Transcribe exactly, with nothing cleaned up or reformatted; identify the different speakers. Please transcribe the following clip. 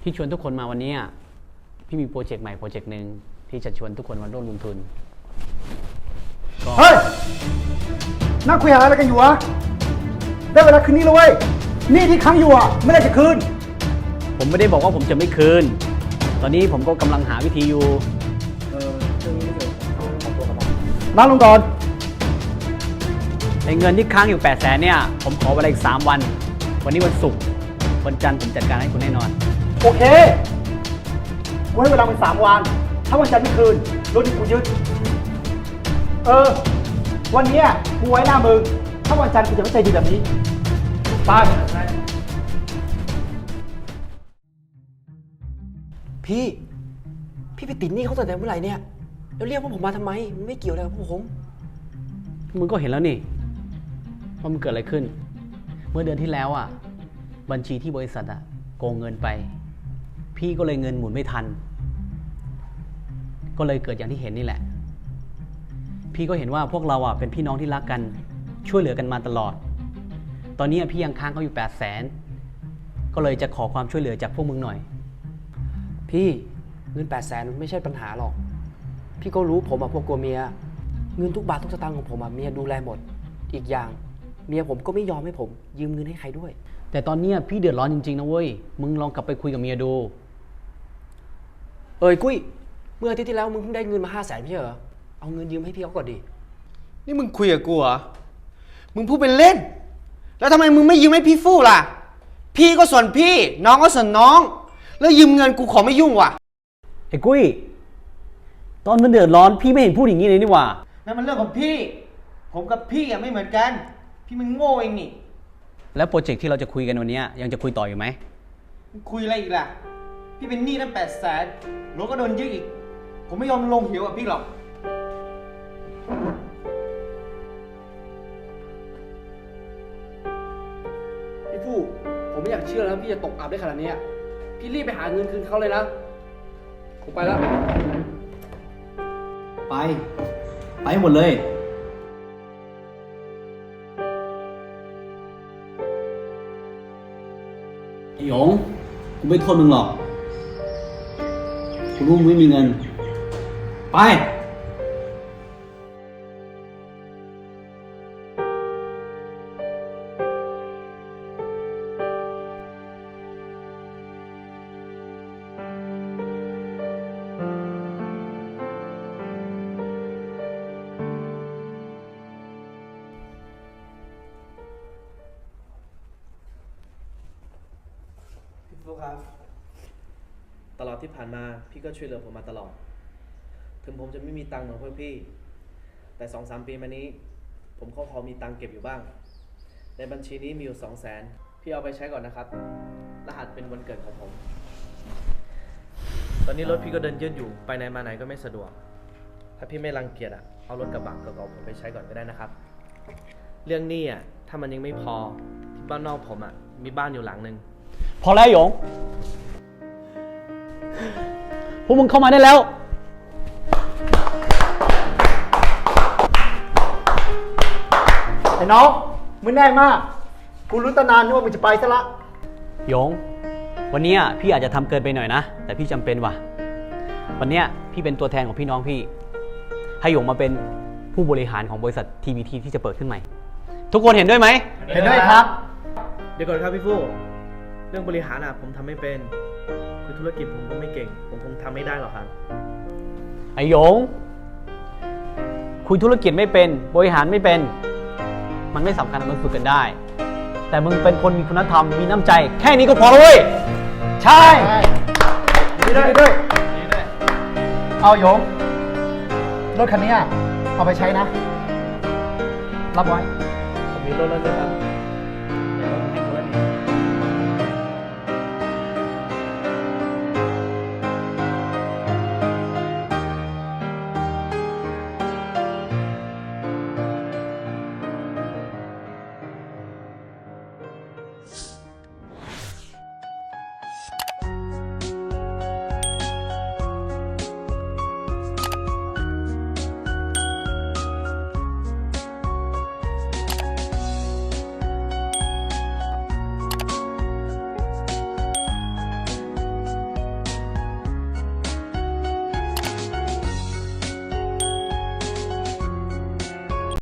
Speaker 1: ที่ชวนทุกคนมาวันนี้พี่มีโปรเจกต์ใหม่โปรเจกต์หนึ่งที่จะชวนทุกคนมาร่วมลงทุน
Speaker 2: เฮ้ยนั่งคุยหาอะไรกันอยู่วะได้เวลาคืนนี้แล้วเว้ยนี่ที่ค้างอยู่อ่ะไม่ได้จะคืน
Speaker 1: ผมไม่ได้บอกว่าผมจะไม่คืนตอนนี้ผมก็กำลังหาวิธีอยู่
Speaker 2: เออเรื่องนี้ไม่เกี่ยวกับตัวกับเรานั่งลงก่อน
Speaker 1: ในเงินที่ค้างอยู่แปดแสนเนี่ยผมขอเวลาอีกสามวันวันนี้วันศุกร์วันจันทร์ผมจัดการให้คุณแน่นอน
Speaker 2: โอเคไว้เวลาเป็นสามวันถ้าวันจันทร์ไม่คืนรถที่กูยึดเออวันนี้กูไว้หน้ามึงถ้าวันจันทร์กูจะไม่ใจดีแบบนี้ไป
Speaker 3: พี่พี่ไปติดหนี้เขาตั้งแต่เมื่อไหร่เนี่ยแล้วเรียกพวกผมมาทำไมมันไม่เกี่ยวอะไรกับพวกผม
Speaker 1: มึงก็เห็นแล้วนี่ว่ามันเกิดอะไรขึ้นเมื่อเดือนที่แล้วอ่ะบัญชีที่บริษัทอ่ะโกงเงินไปพี่ก็เลยเงินหมุนไม่ทันก็เลยเกิดอย่างที่เห็นนี่แหละพี่ก็เห็นว่าพวกเราอ่ะเป็นพี่น้องที่รักกันช่วยเหลือกันมาตลอดตอนนี้พี่ยังค้างเขาอยู่แปดแสนก็เลยจะขอความช่วยเหลือจากพวกมึงหน่อย
Speaker 3: พี่เงินแปดแสนไม่ใช่ปัญหาหรอกพี่ก็รู้ผมอะพวกกลัวเมียเงินทุกบาททุกสตางค์ของผมอะเมียดูแลหมดอีกอย่างเมียผมก็ไม่ยอมให้ผมยืมเงินให้ใครด้วย
Speaker 1: แต่ตอนนี้พี่เดือดร้อนจริงๆนะเว้ยมึงลองกลับไปคุยกับเมียดู
Speaker 3: เอ้ยกุ้ยเมื่ออาทิตย์ที่แล้วมึงเพิ่งได้เงินมาห้าแสนไม่ใช่เหรอเอาเงินยืมให้พี่เขาก่อนดิ
Speaker 4: นี่มึงคุยกับกูเหรอมึงพูดเป็นเล่นแล้วทำไมมึงไม่ยืมให้พี่ฟู่ล่ะพี่ก็ส่วนพี่น้องก็ส่วนน้องแล้วยืมเงินกูขอไม่ยุ่งว่ะ
Speaker 1: ไอ้กุ้ยตอนมันเดือดร้อนพี่ไม่เห็นพูดอย่างนี้เลยนี่หว่า
Speaker 4: นั่นมันเรื่องของพี่ผมกับพี่อะไม่เหมือนกันพี่มันโง่เองนี่
Speaker 1: แล้วโปรเจกต์ที่เราจะคุยกันวันนี้ยังจะคุยต่ออยู่ไหม
Speaker 4: คุยอะไรอีกล่ะพี่เป็นหนี้ตั้งแปดแสนรถก็โดนยึดอีกผมไม่ยอมลงเหวกับพี่หรอก
Speaker 3: พี่ฟู่ผมไม่อยากเชื่อแล้วพี่จะตกอับได้ขนาดนี้พี่รีบไปหาเงินคืนเขาเลยนะผมไปแล้ว
Speaker 1: ไปไปหมดเลยไอ้หยงกูไม่โทษมึงหรอกกูรู้มึงไม่มีเงินไป
Speaker 5: ฟู่ครับตลอดที่ผ่านมาพี่ก็ช่วยเหลือผมมาตลอดถึงผมจะไม่มีตังค์เหมือนพวกพี่แต่สองสามปีมานี้ผมก็พอมีตังค์เก็บอยู่บ้างในบัญชีนี้มีอยู่สองแสนพี่เอาไปใช้ก่อนนะครับรหัสเป็นวันเกิดของผมตอนนี้รถพี่ก็เดินยืดอยู่ไปไหนมาไหนก็ไม่สะดวกถ้าพี่ไม่รังเกียจอ่ะเอารถกระบะเก่าๆผมไปใช้ก่อนก็ได้นะครับเรื่องหนี้อ่ะถ้ามันยังไม่พอที่บ้านนอกผมอ่ะมีบ้านอยู่หลังนึง
Speaker 1: พอแล้วหยงพวกมึงเข้ามาได้แล้ว
Speaker 2: ไอ้น้องมึงแน่มากกูรู้ตั้งนานนึกว่ามึงจะไปซะละ
Speaker 1: หยงวันนี้พี่อาจจะทำเกินไปหน่อยนะแต่พี่จำเป็นว่ะวันนี้พี่เป็นตัวแทนของพี่น้องพี่ให้หยงมาเป็นผู้บริหารของบริษัท ที บี ที ที่จะเปิดขึ้นใหม่ทุกคนเห็นด้วยไหม
Speaker 2: เห็นด้วยครับ
Speaker 5: เดี๋ยวก่อนครับพี่ฟู่เรื่องบริหารอ่ะผมทำไม่เป็นคือธุรกิจผมก็ไม่เก่งผมคงทำไม่ได้หรอกครับ
Speaker 1: ไอหยงคุยธุรกิจไม่เป็นบริหารไม่เป็นมันไม่สำคัญมันฝึกกันได้แต่มึงเป็นคนมีคุณธรรมมีน้ำใจแค่นี้ก็พอแล้วเว้ยใช่
Speaker 2: ดีด้วยดีด้วยเอาหยงรถคันนี้เอาไปใช้นะรับไว้
Speaker 5: ผมมีรถแล้วนะครับ